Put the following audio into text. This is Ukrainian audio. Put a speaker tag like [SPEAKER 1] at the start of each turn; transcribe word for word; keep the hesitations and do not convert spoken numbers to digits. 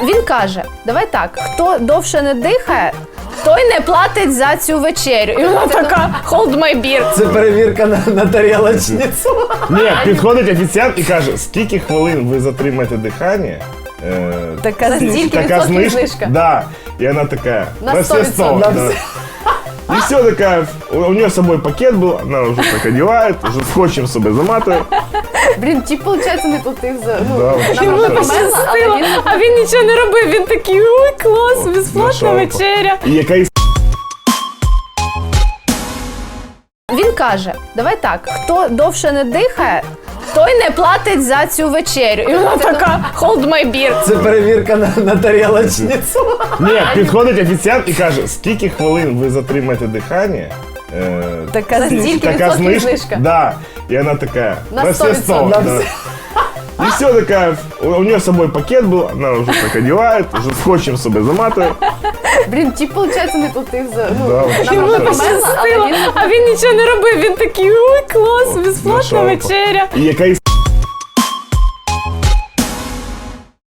[SPEAKER 1] Він каже, давай так, хто довше не дихає, той не платить за цю вечерю. І вона така, hold my beer.
[SPEAKER 2] Це перевірка на, на тарілочницю.
[SPEAKER 3] Ні, підходить офіціант і каже, скільки хвилин ви затримаєте дихання, е,
[SPEAKER 1] Така
[SPEAKER 3] стільки-
[SPEAKER 1] стільки
[SPEAKER 3] така
[SPEAKER 1] відсотків
[SPEAKER 3] знижка.
[SPEAKER 1] знижка.
[SPEAKER 3] Да. І вона така,
[SPEAKER 1] На
[SPEAKER 3] на
[SPEAKER 1] сто
[SPEAKER 3] все сто.
[SPEAKER 1] відсотків.
[SPEAKER 3] Да. И все такая, у нее с собой пакет был, она уже так одевает, уже скотчем себе заматывает.
[SPEAKER 1] Блін, тіп, виходить, не платив за... Ну,
[SPEAKER 3] Да,
[SPEAKER 1] вона
[SPEAKER 3] йому
[SPEAKER 1] вже
[SPEAKER 3] так
[SPEAKER 1] померла, але він...
[SPEAKER 4] А він нічого не робив, він такий, ой, клас, безплатна
[SPEAKER 3] Знайшов.
[SPEAKER 4] вечеря.
[SPEAKER 3] І якась
[SPEAKER 1] Він каже, давай так, хто довше не дихає, той не платить за цю вечерю. І вона така, hold my beer.
[SPEAKER 2] Це перевірка на, на тарілочницю.
[SPEAKER 3] Ні, підходить офіціант і каже, скільки хвилин ви затримаєте дихання, е,
[SPEAKER 1] Така
[SPEAKER 3] стільки-
[SPEAKER 1] стільки
[SPEAKER 3] така
[SPEAKER 1] відсотків
[SPEAKER 3] знижка.
[SPEAKER 1] знижка.
[SPEAKER 3] Да. І вона така,
[SPEAKER 1] На
[SPEAKER 3] на
[SPEAKER 1] сто
[SPEAKER 3] все сто.
[SPEAKER 1] відсотків.
[SPEAKER 3] Да. И все такая, у нее с собой пакет был, она уже так одевает, уже скотчем себе заматывает.
[SPEAKER 1] Блін, тіп, виходить, не платив за... Ну,
[SPEAKER 3] Да,
[SPEAKER 1] вона
[SPEAKER 3] йому
[SPEAKER 1] вже
[SPEAKER 3] так
[SPEAKER 1] померла, але він...
[SPEAKER 4] А він нічого не робив, він такий, ой, клас, безплатна
[SPEAKER 3] Знайшов.
[SPEAKER 4] вечеря.
[SPEAKER 3] І якась